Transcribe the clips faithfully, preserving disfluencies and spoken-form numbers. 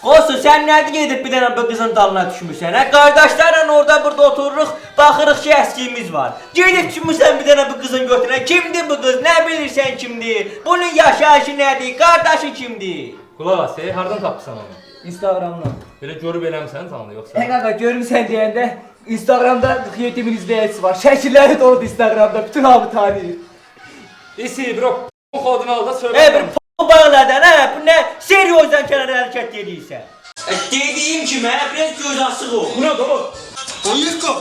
Qosun, sən nədir gedib bir dənə bu qızın dalına düşmüsən? Hə, qardaşlarla orada burada otururuq, baxırıq ki, əskiyimiz var. Gedib düşmüsən bir dənə bu qızın götürən. Kimdir bu qız? Nə bilirsən kimdir? Bunun yaşayışı nədir? Qardaşı kimdir? Qulaq as, hardan tapırsan onu? Instagramdan. Belə görüb eləmsən sandı yoxsa? Hə qaqa, görmüsən deyəndə Instagramda qırx yeddi min izləyicisi var. Şəkilləri doludur Instagramda. Bütün hamı tanıyır. İsi, bro, bu kodunu al da söyle. E, bir p*** bağladan, hə? Bu nə? Seriozdan kənara hərəkət edirsən. E, dediyim kimi, hə? Biraz göz açıq ol. Bu nə da o? Yetka!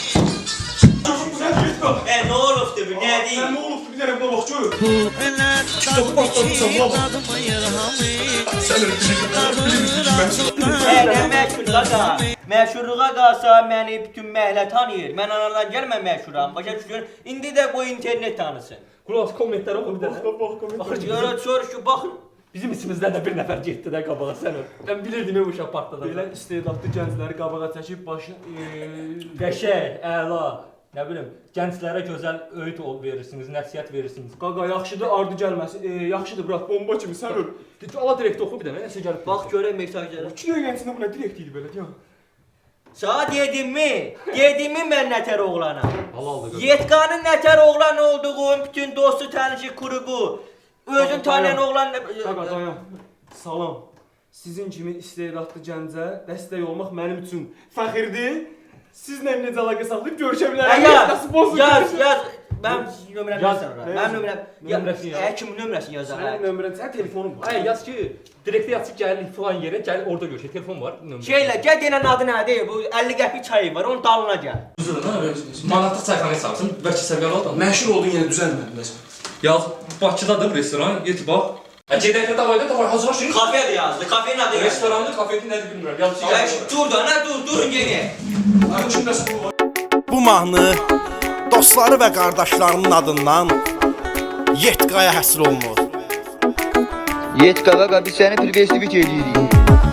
E, nə olubdur bu? Nə deyim? Ne olubdu bir dənə buna bax gör. Kitabı patlatmışsan buna bax. Sən öyle bilirsən. E, nə məşhur qaqa? Məşhurluğa qalsa məni bütün məhlə tanıyır. Mən anadan gəlmə məşhuram. Başa düşür? İndi də qoy internet tanısın. Qulaq as, kommentləri oxu bir dənə. Bax bax bax. Baxır, görür, soruş ki, baxın. Bizim içimizdən də bir nəfər getdi də qabağa sən öl. Mən bilirdim bu uşaq partladı. Belə istedadlı gəncləri qabağa çəkib başın Qəşəng, əla. Nə bilim, gənclərə gözəl öğüt ol verirsiniz, nəsihət verirsiniz. qaqa yaxşıdır ardı gəlməsin. E, yaxşıdır bırak bomba kimi sən öl. Allah direkt oxu bir dənə, nəsə gəlib. Bax görək mesajları. iki öyrəncində bu nə direkt idi belə deyəm. Sağ dedim mi? Dedim mi mən nətər oğlanam? Halaldır. Yetqanın nətər oğlan olduğum, bütün dostu tanışı kurubu. Özün tanıyan oğlan... Qaqa dayan. Salam. Sizin kimi istedadlı gəncə dəstək olmaq mənim üçün fəxirdir. Sizlə necə əlaqə saxlayıb görüşə bilərəm. Yaz, yaz, yaz. Mən nömrəmi Yaz. yazarım. Mən nömrəm... Nömrəsini yaz. Hə, kimin nömrəsini yazar? Sənin nömrən, sənin telefonun var. Ay yaz ki, direktə yazıb gəl falan yerə, gəl orada görüş. Telefon var, nömrə. Şeylə, gəl denən adı nədir? Bu əlli qəpik çayı var, onun dalına gəl. Manatlıq çayxana hesabsın, bəlkə səviyyəli adam. Məşhur oldun yenə düzəlmədin məsələn. Yaz, Bakıdadır restoran, get bax. Hə, gedəkdə davayda da var, hazırlaşın. Kafe de yazdı, kafenin adı yazdı. Restoranın, kafenin nədir bilmirəm. Yaz, Ya dur da, nə dur, durun yenə. Bu mahnı dostları və qardaşlarının adından Yetkaya həsr olunur. Yetka qaqa, biz səni priveştivik edirik.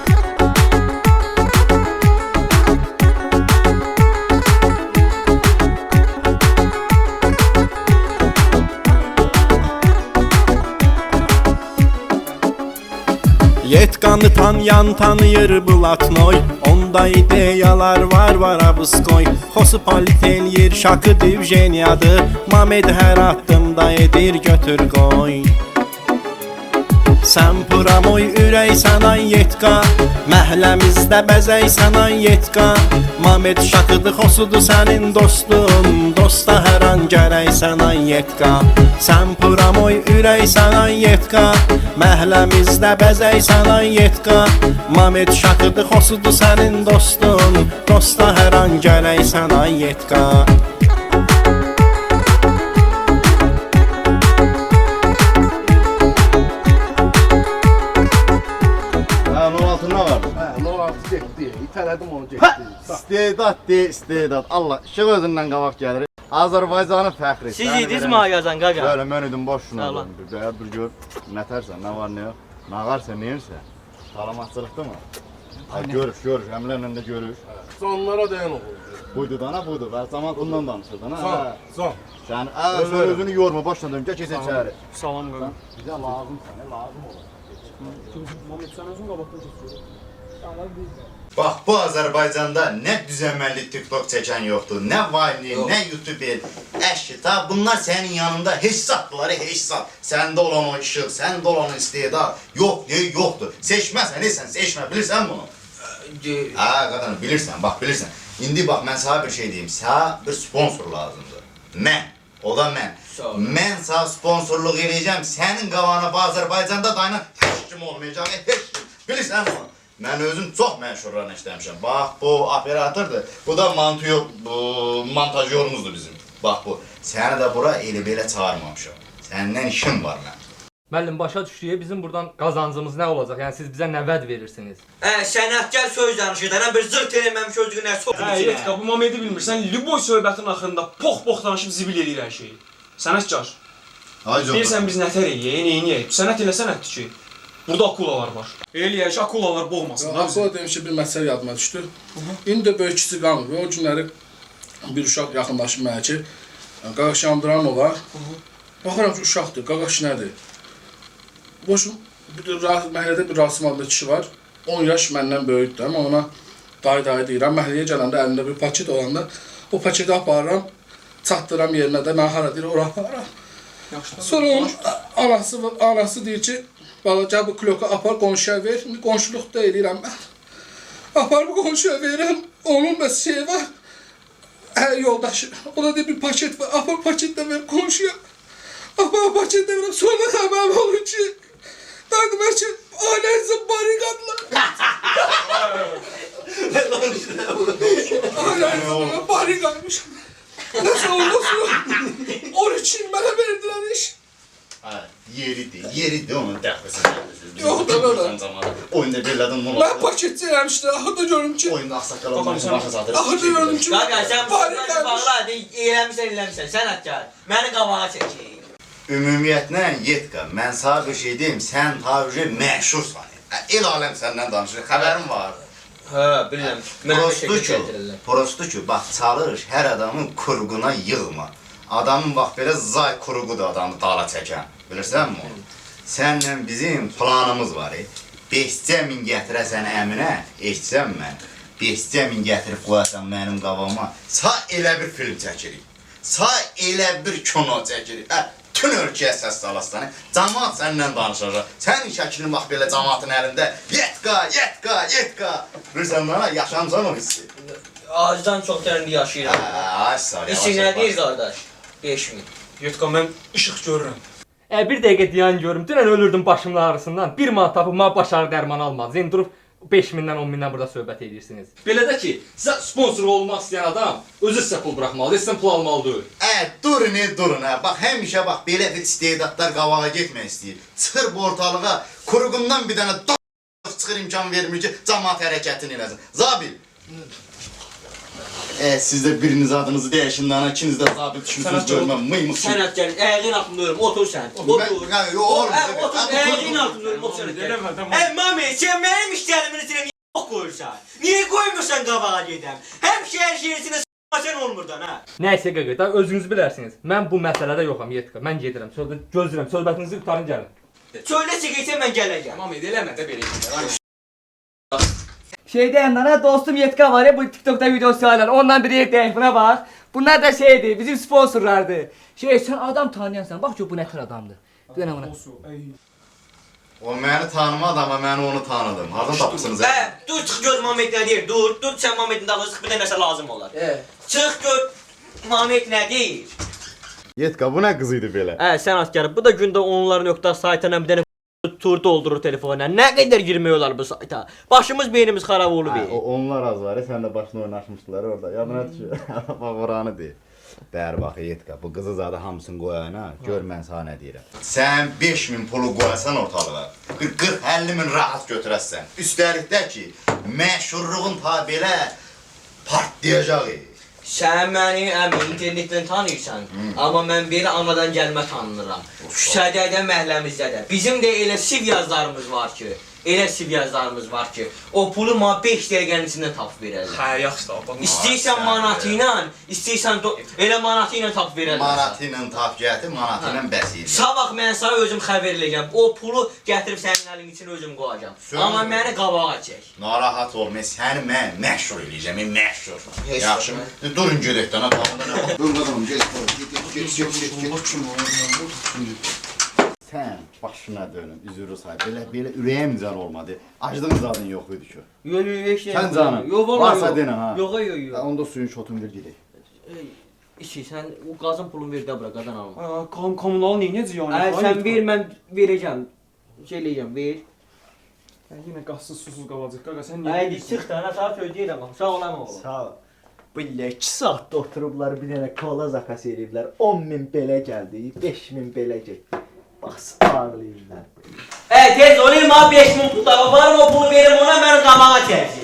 Yetkanı tanıyan tanıyır Blatnoy. Onda ideyalar var var abıskoy. Xosu palit eləyir, şakı divjeniyadır. Mamed hər addımda edir götür qoy. Sən puramoy ürəksən ay Yetka, məhləmizdə bəzəksən ay Yetka. Mamed şakıdır, xosudur sənin dostun, dosta hər an gərəksən ay Yetka. Sən puramoy ürəksən ay Yetka, məhləmizdə bəzəksən ay Yetka. Mamed şakıdır, xosudur sənin dostun, dosta hər an gərəksən ay Yetka. İtələdim onu getdi. İstedad de, istedad. Allah, işıq özündən qabaq gəlir. Azərbaycanın fəxri. Siz idiniz mi yazan qaqa? Böyle mən idim boş şuna. Sağ ol. Dur, dur gör. Nətərsən, nə var, nə yox. Nağarsa, neyirsə. Salamatçılıqdır mı? Ay, görüş, görüş. Əmlərlə də görüş. Sonlara dayan oğul. Buydu dana, buydu. Və zaman ondan danışırdın, ha? Son, son. Sən, ə, sən özünü yorma, başla dön. Gəl kesə içəri. Salam qaqa. Bizə lazım sənə, lazım olur. Mamed sən özün qabaqdan keçiyor. Bax, bu Azərbaycanda nə düzəməlli TikTok çəkən yoxdur, nə Vine, nə YouTube, əşki, ta bunlar sənin yanında heç satdılar, heç sat. Səndə olan o işıq, səndə olan o istedad, yox, deyil, yoxdur. Seçməsən, neysən, seçmə, bilirsən bunu? Hə, qadın, bilirsən, bax, bilirsən. İndi bax, mən sana bir şey deyim, sənə bir sponsor lazımdır. Mən, o da mən. Mən sənə sponsorluq edəcəm, sənin qavana bu Azərbaycanda dayına heç kim olmayacaq, heç kim. Bilirsən bunu? Mən özüm çox məşhurlarla işləmişəm. Bax, bu operatordur. Bu da montajyor, bu montajyorumuzdur bizim. Bax bu. Səni də bura elə belə çağırmamışam. Səndən işim var mən. Müəllim, başa düşdüyə bizim buradan qazancımız nə olacaq? Yəni siz bizə nə vəd verirsiniz? Hə, sənətkar söz danışır. Dənə bir zırt eləməmiş özünə soxun Hə, içinə. Yetka, bu Mamedi bilmirsən, Lüboy söhbətin axırında pox-pox danışıb zibil eləyir hər şeyi. Sənətkar. Ay canım. Deyirsən biz nətər eləyək, neyniyək? Sənət elə sənətdir ki. Burada akulalar var. Eləyək, akulalar boğmasın. Akula demiş ki, bir məsələ yadıma düşdü. İndi də böyük kiçik qalmır. O günləri bir uşaq yaxınlaşıb mənə ki, Qaqa Şamdıranova. Baxıram ki, uşaqdır, Qaqa nədir? Boşum, məhəllədə bir Rasim adlı kişi var. on yaş məndən böyükdür, amma ona dayı dayı deyirəm. Məhəlləyə gələndə əlində bir paket olanda o paketi aparıram, çatdıram yerinə də mən hara deyir, ora aparıram. Sonra onun anası, anası deyir ki, bala gəl bu kloka apar qonşuya ver. İndi qonşuluqda eləyirəm mən. Apar bu qonşuya verirəm, onun da şey var. Hər yoldaşı, o da deyir bir paket var, apar paket də ver qonşuya. Apar paket də verəm, sonra xəbərim olur ki, dayı demək ki, ailənizə barikadlar. Ailənizə barikadmış. Nəsə ondan sonra on üç il mənə verdilər iş. Ha, yeridir, yeridir onun dəxlisi. Yox da belə. Oyunda bellədən bunu. Mən paketçi eləmişdim, axırda görüm ki, Oyunda axsaqqal olmasın, baxa zadır. axırda gördüm ki, Qaqa sən bu barikadmış. sözü bağla, eləmişsən, eləmişsən, sənətkar. Məni qabağa çəkir. Ümumiyyətlə, Yetka, mən sana bir şey deyim, sən tabi məşhursan. El aləm səndən danışır, xəbərin var. Hə, bilirəm. Prosto ki, prosto ki, bax, çalış, hər adamın kurğuna yığma. Adamın bax, belə zay kurğudur adamı dala çəkən. Bilirsən mi onu? Sənlə bizim planımız var. beşcə min gətirəsən əminə, eşitsən mən. beşcə min gətirib qoyasan mənim qabağıma. Sa elə bir film çəkirik. Sa elə bir kino çəkirik. Hə, bütün ölkəyə səs salasın. Camaat səndən danışacaq. Sənin şəklin bax belə camaatın əlində. Yetka, yetka, yetka. Bilirsən bana, yaşamsan o hissi. Ağacdan çox dərinli yaşayıram. Hə, ay sağ ol. İşin nə deyir qardaş? beş min. Yetka, mən işıq görürəm. E, bir dəqiqə dayan görüm. Dünən ölürdüm başımın ağrısından. Bir manat tapıb mənə baş ağrı dərmanı almadınız. İndi durub beş mindən on mindən burada söhbət edirsiniz. Belə də ki, sizə sponsor olmaq istəyən adam özü sizə pul buraxmalıdır, sizdən pul almalıdır. Ə, durun, e, durun, hə. Bax, həmişə bax, belə bir istedadlar qabağa getmək istəyir. Çıxır bu ortalığa, kuruğundan bir dənə d*** çıxır imkan vermir ki, camaat hərəkətini eləsin. Zabil. E, siz də biriniz adınızı dəyişin, dana, ikiniz də zabil düşünsünüz, görməm, mıymıq ki. Sənətkar, əyin altında ölüm, otur sən. Otur. Mən, yo, oğlum, Hə, otur, əyin altında ölüm, otur sənətkar. Hə, mami, sən mənim işlərimin içinə niyə yox qoyursan? Niyə qoymursan qabağa gedəm? Həmişə hər şeyin içinə s**masən olmurdan, hə? Nəysə qaqa, da özünüz bilərsiniz. Mən bu məsələdə yoxam, Yetka. Mən gedirəm. Sözdə gözləyirəm. Söhbətinizi qurtarın gəlin. Söylə çəkəcək mən gələcəm. Tamam, eləmə də belə. Şeyde yanlara dostum Yetka var ya bu TikTok'ta videosu var. Ondan biri ekleyin buna bak. Bunlar da şeydi bizim sponsorlardı. Şey sen adam tanıyansan bak çok bu ne tür adamdı. Dönem ona. O məni tanımadı, amma mən onu tanıdım. Harada tapısınız? Hə, dur çıx gör Mamet nə deyir. Dur, dur sən Mametin dalına çıx bir dənə nəsə lazım olar. Hə. Çıx gör Mamet nə deyir. Yetka, bu nə qız idi belə? Hə, sən askarım. Bu da gündə onların nöqtə saytına bir dənə tur doldurur telefonla. Nə qədər girmək olar bu sayta? Başımız beynimiz xarab olub. Hə, onlar az var, sən də başına oynaşmışdılar orada. Yadına düşür. Bax oranı deyir. Bər bax Yetka, bu qızı zadı hamısını qoyana, gör mən sana nə deyirəm. Sən beş min pulu qoyasan ortalığa, qırx əlli min rahat götürəsən. Üstəlik də ki, məşhurluğun ta belə partlayacaq. Sən məni əmi internetdən tanıyırsan, amma mən belə anadan gəlmə tanınıram. Küçədə də, məhəlləmizdə də. Bizim də elə siv yazlarımız var ki, elə siv yazlarımız var ki, o pulu ma beş dəqiqənin içində tapıb verərlər. Hə, yaxşı da, bax. İstəyirsən manatı ilə, istəyirsən elə manatı ilə tapıb verərlər. Manatı ilə tap gətir, manatı ilə bəs edir. Sabah mən sana özüm xəbər eləyəcəm. O pulu gətirib sənin əlin içinə özüm qoyacam. Amma məni qabağa çək. Narahat olma, səni mən məşhur eləyəcəm, məşhur. Heç Yaxşı mı? Durun gedək də, tamamda nə var? Durun qadınım, get, get, get, get. Sən başına dönüm, üzürü say. Belə, belə ürəyim can olmadı. Aclığın zadın yox idi ki. Yox, yox, heç nə. Sən canım, Yox, vallahi varsa yox. denə, ha. Yox, yox, yox. Onda suyun şotunu ver gedək. İşi, sən o qazın pulunu ver də bura, qadan alma. Kom kommunal neynəcə yəni? Ay, sən ver, mən verəcəm. Şey eləyəcəm, ver. Yenə qazsız susuz qalacaq. Qaqa sən niyə? Haydi çıx da, ana sana söyləyirəm. Sağ olam oğlum. Sağ ol. Bu iki saatda oturublar bir dənə kola zakası eləyiblər. on min belə gəldi, beş min belə getdi. Bax, ağlayırlar. Hə, tez olayım ha, beş min pul da var mı o pulu verim ona, məni qabağa çəksin.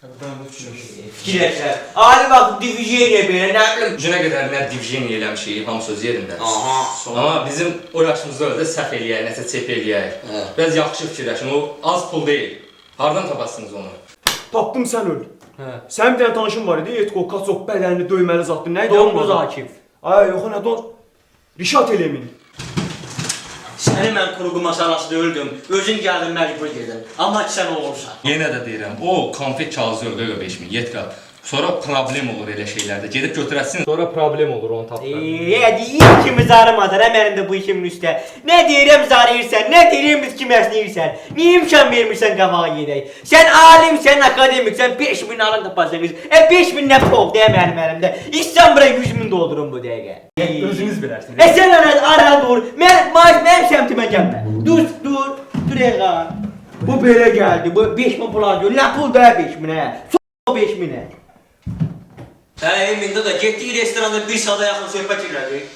Fikirləşər. Ali bax, diviziyaya belə, nə bilim. Günə qədər nə diviziyini eləmişik, hamısı öz yerində. Aha. Amma bizim o yaşımızda öyle səhv eləyək, nəsə çep eləyək. Biraz yaxşı fikirləşin, o az pul deyil. Hardan tapasınız onu? Tapdım sən öl. Hə. Sən bir dənə tanışın var idi, Etko, Kaçok bədənini döyməli zatdı. Nə idi? Domuz Akif. Ay, yox, nə don? Rişat Elemin. Səni mən quruğu masalasında öldüm. Özün gəldin məcbur gedin. Amma ki sən olursan. Yenə də deyirəm, o konfet kağızı öldürüyor beş min, yetka. Sonra problem olur elə şeylərdə. Gedib götürəsin. Sonra problem olur onu tapmaq. Eee, deyir kimi zarımadın hə mənim də bu işimin üstə. Nə deyirəm zarıyırsan, nə deyirəm biz kimi əsnəyirsən. Niyə imkan vermirsən qabağa gedək? Sən alimsən, akademiksən, beş min alın tapasınız. E beş min nə pol deyə mənim əlimdə. İstsən bura yüz min doldurun bu dəqiqə. Özünüz bilərsiniz. E sən ara, ara dur. Mən maaş mənim səmtimə gəlmə. Dur, dur, dur eğa. Bu belə gəldi. Bu beş min pul alıyor. Nə pul da beş minə? So beş minə. Hə, Emində də getdik restoranda bir saata yaxın söhbət elədik.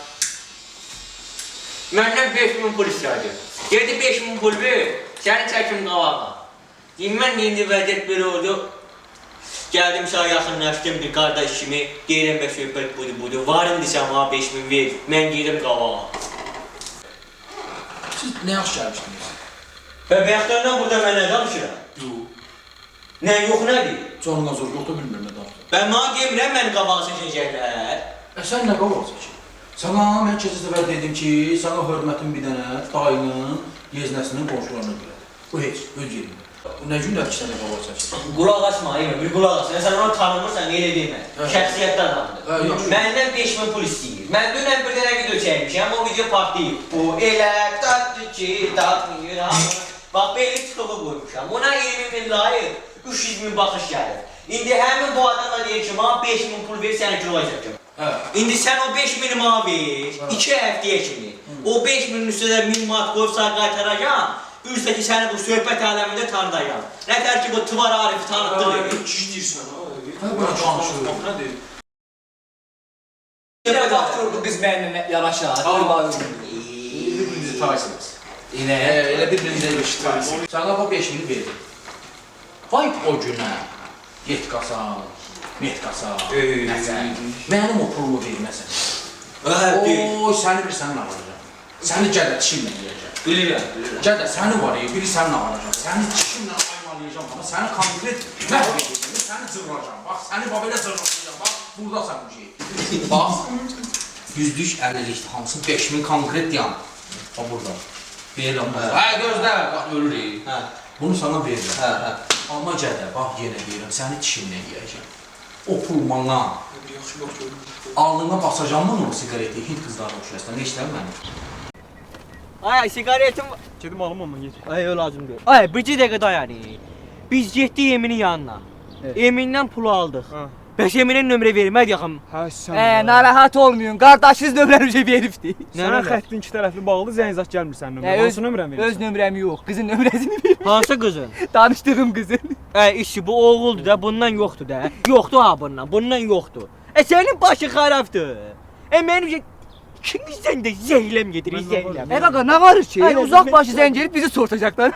Məndən beş min pul istədi. Dedi beş min pul ver, səni çəkim qavağa. Deyim, mən indi vəziyyət belə oldu. Gəldim sana yaxınlaşdım bir qardaş kimi. Deyirəm bə söhbət budur, budur. Varım desəm ha beş min ver, mən gedim qavağa. Siz nə yaxşı gəlmişdiniz? Və bəxtlərdən burada mən nə danışıram? Yox. Nə yox nədir? Canına zor yoxdur, bilmirəm nə danışır. Ben bana demirəm məni qabağa seçəcəklər. E sən nə qabağa seçin? Sana mən keçən səfər dedim ki, sana hörmətin bir dənə dayının yeznəsinin qonşularına görədir. Bu heç, öz yerində. Bu nə günlər ki, sənə qabağa seçin? Qulaq asma, Emre, bir qulaq asma. Sən onu tanımırsan, elə demə. Şəxsiyyətli adamdır. Məndən beş min pul istəyir. Mən dünən bir dənə video çəkmişəm, o video partlayıb. Bu elə tatlı ki, tatlı yıram. Bax, belli çıxıqı qoymuşam. Ona iyirmi min layıq, üç yüz min baxış gəlir. İndi həmin bu adamla deyir ki, bana beş min pul ver, səni kilo çəkəcəm. İndi sən o beş mini bana ver, iki həftəyə kimi. O beş minin üstündə min manat qoyubsan qaytaracam, üstə ki səni bu söhbət aləmində tanıdacam. Nətər ki bu Tıvar Arifi tanıtdı. Kişi deyirsən ha? Bana danışır. Bax nə deyir? Yine bakıyordu biz benimle yanaşar. Bir-birinizi tanırsınız. Yine. Elə bir-birinizə ilişdirsiniz. Sana bu beş mini verdim. Vay o günə. Yetkasan, metkasan, nəsən, mənim o pulumu verməsən. Ooo, səni bir sənin alacaq. Səni gədə dişimlə yiyəcək. Bilirəm, bilirəm. Gədə səni var ya, biri sənin alacaq. Səni dişimlə aymalayacam, amma səni konkret məhv edəcəm, səni cırracam. Bax, səni belə cırracam, bax, buradasan bu şey. Bax, yüzlük əllilikdir, hamısı beş min konkret yan. Bax, burada. Verirəm, bax. Hə, gözlə, bax, ölürük. Bunu sana verirəm. Hə, hə. Amma gədə, bax yenə deyirəm, səni dişimlə yiyəcəm. O pul mana. Alnına basacam bunu o sigareti, Hint qızlarına oxşayasın, ne işlər mənim? Ay, sigaretim... Gedim alım ondan geç. Ay, o lazım deyil. Ay, bir dəqiqə dayan. Biz getdik Eminin yanına. Emin'dən pulu aldıq. Bəs Eminin nömrə vermədi yaxım. Hə, sən. Ee, narahat olmayın. Kardeşiniz nömrəmizi veribdi. Sənə xəttin iki tərəfli bağlı zəng zat gəlmir sənin nömrən. Ee, Hansı nömrəni verirsən? Öz nömrəm yox. Qızın nömrəsini verir. Hansı qızın? Tanışdığım qızın. Ay, işi bu oğuldur da, bundan yoxdur da. Yoxdur ha bundan, bundan yoxdur. E sənin başın xarabdır. E mənim şey... Kimizdən də zəhləm gedir, zəhləm. E qaqa ne var ki? Ay, Uzak başı zəng gelip bizi sortacaklar.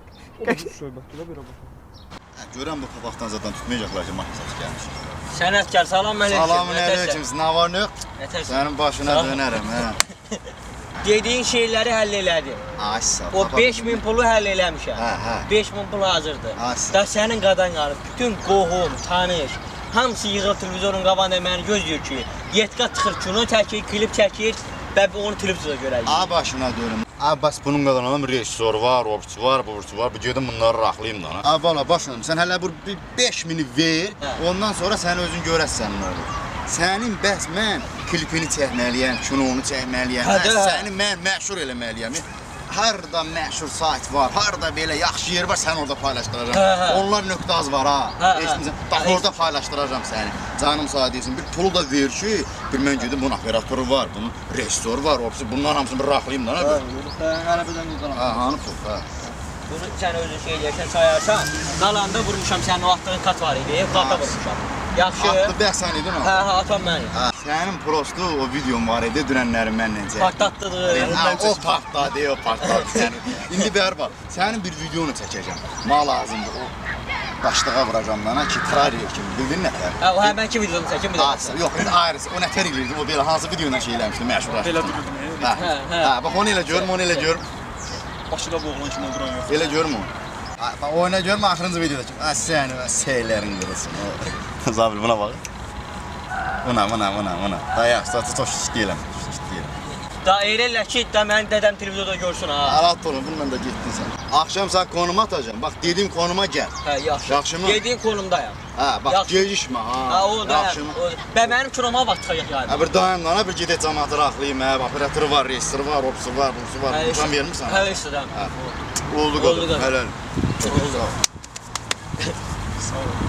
Söhbətdə bir bax. Görəm bu papaqdan zaten tutmayacaqlar ki, maşın gəlmiş. Sənətkar, salam aleyküm. Salamün aleyküm, nə var nə yox? Nətərsən? Sənin başına dönərəm, hə. Dediyin şeyləri həll elədim. Ay sağ ol. O beş min pulu həll eləmişəm. Hə, hə. beş min pul hazırdır. Ay sağ ol. Da sənin qadan qarıb, bütün qohum, tanış, hamısı yığılıb televizorun qabağında məni gözləyir ki, Yetka çıxır, kino çəkir, klip çəkir və onu televizorda görək. A başına dönüm. A bas bunun qədər adam rejissor var, obçu var, burçu var. Bir gedim bunları raxlayım da. A bala başına dönüm. Sən hələ bu beş mini ver, ondan sonra sən özün görəsən nə olur. Sənin bəs mən klipini çəkməliyəm, kinonu çəkməliyəm. Səni mən məşhur eləməliyəm. Harda məşhur sayt var, harda belə yaxşı yer var, sən orada paylaşdıracam. Onlar nöqtaz var ha. Eşitmisən? Bax orada paylaşdıracam səni. Canım sağ deyirsən. Bir pulu da ver ki, bir mən gedim bunun operatoru var, bunun rejissoru var, obsi bunların hamısını bir raxlayım da. Arabadan qazanam. Ha, hanı pul, ha. Bunu sən özün şey eləyərsən, sayarsan, qalanda vurmuşam sənin o atdığın kat var idi, kata vurmuşam. Yaxşı. Atlı bəs sən idin o? Hə, hə, atam mənim. Sənin prostu o videom var idi, dünənləri mənlə çəkdim. Partlatdıdır. O partladı, o partladı səni. İndi bər bax, sənin bir videonu çəkəcəm. Ma lazımdır o. Başlığa vuracam dana ki, trailer kimi, bildin nətər? Hə, o həmənki videonu çəkim bir daha. Yox, indi ayrısı, o nətər eləyirdim, o belə hansı videoyla şey eləmişdim, məşhurlaşdım. Belə dururdum. Hə, hə, bax onu elə görüm, onu elə görüm. Başıda boğulan kimi duran yox. Elə görüm onu. Bax, oyuna görüm, axırıncı videoda ki, sən seylərin qırılsın. Zabil, buna bax. Buna, buna, buna, buna. Dayaq, satı çox şiş deyiləm, şiş deyiləm. Da eyrələ ki, da mənim dədəm televizorda görsün ha. Rahat olun, bununla da getdin sən. Axşam sən konuma atacağım. Bax, dediyim konuma gəl. Hə, yaxşı. Yaxşımı? Yediyin konumdayam. Hə, bax, Yaxşı. gecişmə ha. Ha, o da. Yaxşımı? o da. Bə mənim kinoma vaxt çıxacaq yəni. Hə, bir dayan lan, bir gedək cəmaatı rahatlayayım, hə. Operatörü var, rejissoru var, opsu var, busu var. Uçan vermirsən? Hə, istəyirəm. Oldu Oldu qadın, qadın. helal. Oldu. Sağ ol.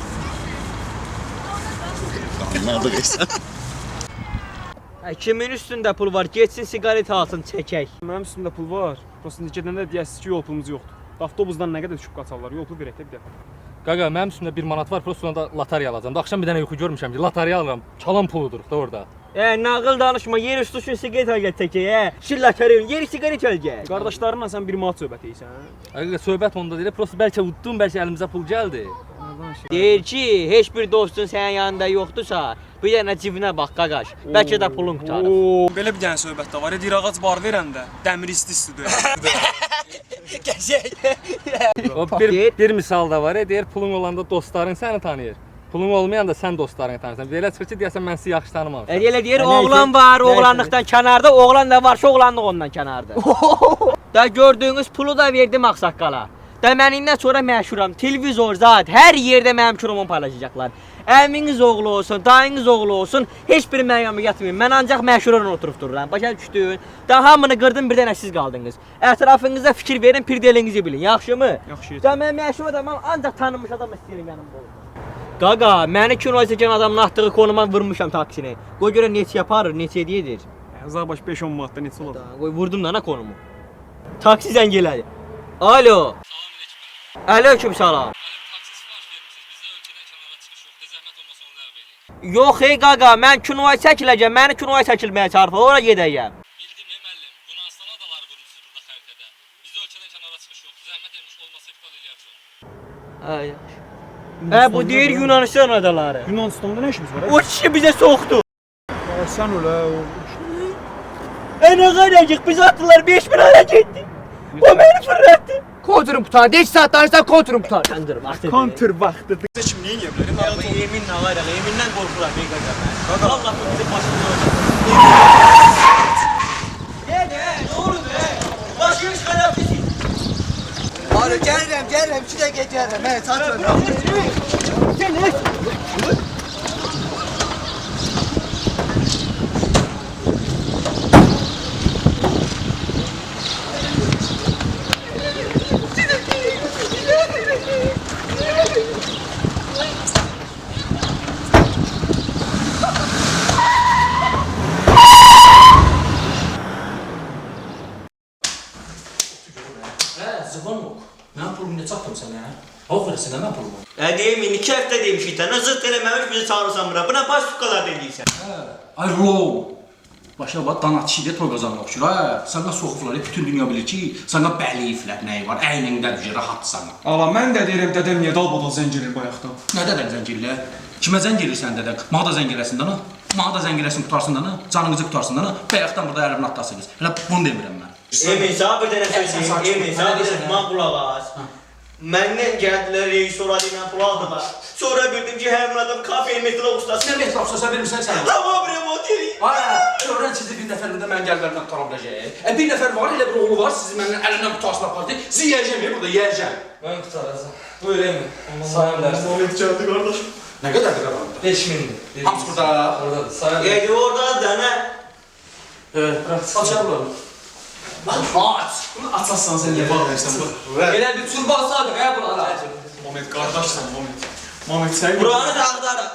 Anladık sən. Hə, kimin üstündə pul var? Getsin siqaret alsın, çəkək. Mənim üstümdə pul var. Prosta gedəndə deyəsiz ki, yol pulumuz yoxdur. Avtobusdan nə qədər düşüb qaçarlar, yol pul verək də bir dəfə. Qaqa, mənim üstümdə bir manat var, prosta onda loteriya alacağam. Da axşam bir dənə yuxu görmüşəm ki, loteriya alıram. Çalan puludur da orada. E, nağıl danışma, yer üstü üçün siqaret al gəl çəkək, hə. Şilləkərin, yeri siqaret al gəl. Qardaşlarınla sən bir manat söhbət edirsən. Qaqa, söhbət onda deyil, prosta bəlkə uddum, bəlkə əlimizə pul gəldi. Deyir ki, heç bir dostun sənin yanında yoxdursa, bir dənə cibinə bax qaqaş. Bəlkə də pulun qutarır. Oo, belə bir dənə söhbət də var. Deyir ağac bar verəndə dəmir isti-isti döyür. Qəşəng. O bir, bir misal da var, e, deyir pulun olanda dostların səni tanıyır. Pulun olmayanda sən dostlarını tanırsan. Belə çıxır ki, deyəsən mən sizi yaxşı tanımamışam. Elə deyir, oğlan var, oğlanlıqdan kənarda, oğlan da varsa oğlanlıq ondan kənarda. Da gördüyünüz pulu da verdim ağsaqqala. Da mən indən sonra məşhuram. Televizor zat, hər yerdə mənim kiromu paylaşacaqlar. Əminiz oğlu olsun, dayınız oğlu olsun, heç biri mənim yanıma yatmayın. Mən ancaq məşhurla oturub dururam. Başa düşdün? Da hamını qırdım, bir dənə siz qaldınız. Ətrafınıza fikir verin, pirdelinizi bilin. Yaxşımı? Yaxşı. Da mən məşhur adamam, ancaq tanınmış adam istəyirəm yanımda olsun. Qaqa, məni kinoya çəkən adamın atdığı konuma vurmuşam taksini. Qoy görə neçə yaparır, neçə edir? Zabaş beş on manatda neçə olar? Qoy vurdum da ana konumu. Taksi zəng elədi. Alo. Aleyküm salam. Yox ey qaqa, mən kinoya çəkiləcəm, məni kinoya çəkilməyə çağırır, ora gedəcəm. Bildim ey müəllim, Yunanistan adaları vurmuşsunuz burada xəritədə. Bizdə ölkədən kənara çıxış yoxdur. Zəhmət etmiş olmasa iptal eləyərəm. Ay. Hə, bu deyir Yunanistan adaları. Yunanistan'da nə işimiz var? O kişi bizə soxdu. Sən ölə. Ey nə qaracıq, biz atdılar beş min ara getdi. O məni fırlatdı. Kontrum tutar. beş saat danışsan kontrum tutar. Kontur vaxtı. Kontur vaxtı. Bizə kim neyin yemləri? Ya bu yemin nə var ya, yemindən qorxuram ey qaqa mən. Allah bu bizim başımıza olacaq. Ne ne, ne olur be? Başımız kadar bizi. Arı gəlirəm, gəlirəm, iki dəqiqə gəlirəm. Hə, çatırım. Sen ne? Ya değil mi? İki hafta demişik de. Zırt eləməmiş bizi çağırırsan bura. Buna baş tukalar deyirsən. Ay rol. Başa bax danatçıyla toy qazanmaq oxşur. Ha, sənə soxuflar, bütün dünya bilir ki, sənə bəliyiflər nəyi var, əynində düşür, rahatsan. Ala mən də deyirəm dədəm niyə dalbadal zəng edir bayaqdan. Nə dədən zəng edirlər? Kimə zəng edirsən dədən? Mənə da zəng eləsin dana. Mənə da zəng eləsin qutarsın dana. Canınızı qutarsın dana. Bayaqdan burada əlimlə atlasınız. Elə bunu demirəm mən. Emin sana bir dənə söz deyim. Emin sana bir dənə man qulaq as. Məndən gəldilər rejissor ilə pul aldılar. Sonra bildim ki, həmin adam kafe metro ustası. Nə metro ustası vermirsən sən? Hava remont edir. Ay, görürəm sizi bir nəfərində mən gəlmərdən tutam biləcək. E bir nəfər var, elə bir oğlu var, sizi məndən əlindən qutarsın apardı. Sizi yeyəcəm, burada yeyəcəm. Mən qutaracam. Buyur Emin. Sayın dərsin. Moment gəldi qardaş. Nə qədərdir qalandı? beş mindir. Hamısı burada. Oradadır. Sayın dərsin. Yedi orada da nə? Evet, bırak. Açar buranı. Aç! Bunu açarsan sən niyə bağlayırsan bu? Elə bir turban sadıq hə bunlara. Moment qardaşsan, moment. Moment sən Buranı da axtaraq.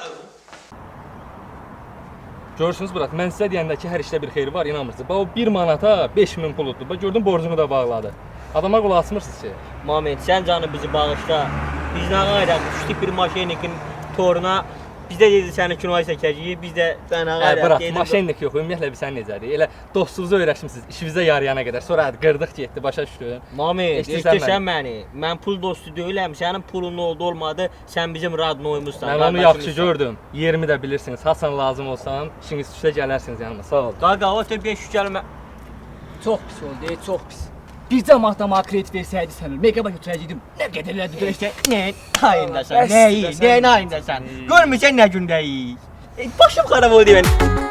Görürsünüz Murat, mən sizə deyəndə ki, hər işdə bir xeyri var, inanmırsınız. Bax o bir manata beş min puluddur. Bax gördün borcunu da bağladı. Adama qulaq asmırsınız ki. Moment, sən canı bizi bağışla. Biz nə qayraq düşdük bir maşinikin toruna. Biz də dedi səni kinoya çəkəcəyik, biz də sənə Hə, qayraq. bırak, maşinlik yox, ümumiyyətlə biz sən necədir? Elə dostunuzu öyrəşmisiniz, işimizə yarayana qədər. Sonra hadi qırdıq getdi, başa düşdün. Moment, Eşidirsən eşitirsən məni. Mən pul dostu deyiləm, sənin pulun oldu olmadı, sən bizim radnoymuzsan. Mən onu yaxşı gördüm. Yerimi də bilirsiniz. Hasan lazım olsam, işiniz düşsə gələrsiniz yanıma. Sağ ol. Qaqa, o tə beş yüz gəlmə. Çox pis oldu, çox pis. Bircə mahtama kredit versəydi sənə, meqaba götürəcəkdim. Nə qədər elədi İşte nə ayındasan, nəyi, nəyin ayındasan? Görmüsən nə gündəyik? E, başım xarab oldu mənim.